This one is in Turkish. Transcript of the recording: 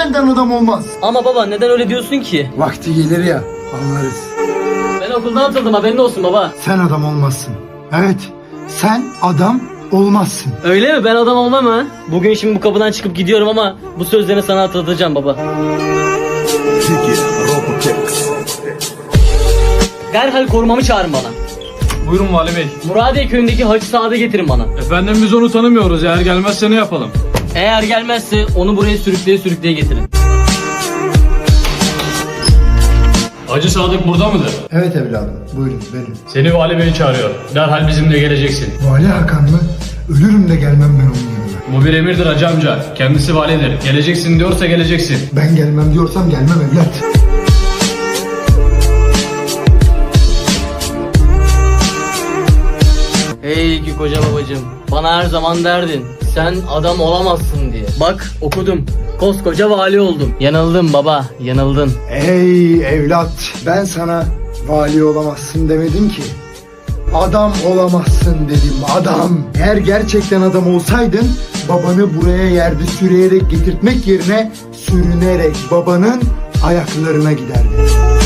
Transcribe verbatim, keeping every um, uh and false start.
Senden adam olmaz. Ama baba neden öyle diyorsun ki? Vakti gelir ya, anlarız. Ben okuldan atıldım, haberin olsun baba. Sen adam olmazsın. Evet, sen adam olmazsın. Öyle mi? Ben adam olmam ha? Bugün şimdi bu kapıdan çıkıp gidiyorum ama bu sözlerini sana hatırlatacağım baba. Derhal korumamı çağırın bana. Buyurun Vali Bey. Muradiye köyündeki Hacı Saad'ı getirin bana. Efendim biz onu tanımıyoruz. Eğer gelmezse ne yapalım? Eğer gelmezse onu buraya sürükleye sürükleye getirin. Hacı Sadık burada mıdır? Evet evladım, buyurun benim. Seni Vali Bey çağırıyor. Derhal bizimle geleceksin. Vali Hakan mı? Ölürüm de gelmem ben onun yanına. Bu bir emirdir hacı amca. Kendisi validir. Geleceksin diyorsa geleceksin. Ben gelmem diyorsam gelmem evlat. Hey ki koca babacığım, bana her zaman derdin sen adam olamazsın diye. Bak okudum, koskoca vali oldum. Yanıldın baba, yanıldın. Ey evlat, ben sana vali olamazsın demedim ki. Adam olamazsın dedim, adam. Eğer gerçekten adam olsaydın babanı buraya yerde sürüyerek getirtmek yerine sürünerek babanın ayaklarına giderdin.